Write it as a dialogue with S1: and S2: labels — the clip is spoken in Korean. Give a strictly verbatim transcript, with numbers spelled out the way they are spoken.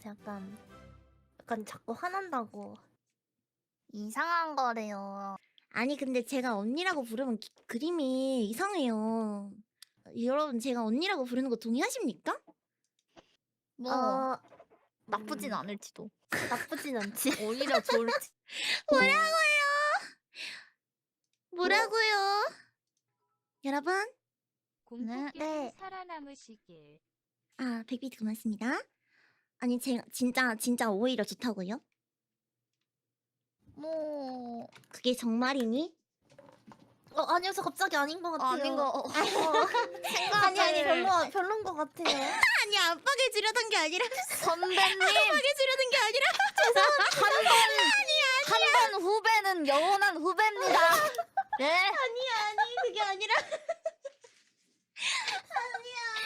S1: 같아. 약간 약간 자꾸 화난다고.
S2: 이상한 거래요.
S3: 아니 근데 제가 언니라고 부르면 기, 그림이 이상해요. 여러분 제가 언니라고 부르는 거 동의하십니까?
S2: 뭐
S1: 어,
S2: 나쁘진
S1: 음,
S2: 않을지도.
S1: 나쁘진 않지.
S2: 오히려 좋을지.
S3: 뭐라고요? 뭐라고요? 여러분?
S4: 공포게임
S1: 네.
S4: 살아남으시길.
S3: 아 백비트 고맙습니다. 아니 제가 진짜 진짜 오히려 좋다고요?
S2: 뭐
S3: 그게 정말이니?
S1: 어 아니요, 저 갑자기 아닌 것 같아요.
S2: 아닌 거. 어,
S1: 어,
S2: 생각
S1: 아니 아니 별로 별론 것 같아요.
S3: 아니 압박을 주려던 게 아니라
S2: 선배님
S3: 압박을 주려던 게 아니라
S2: 한 번 후배는 영원한 후배입니다. 네.
S3: 아니 아니 그게 아니라 아니야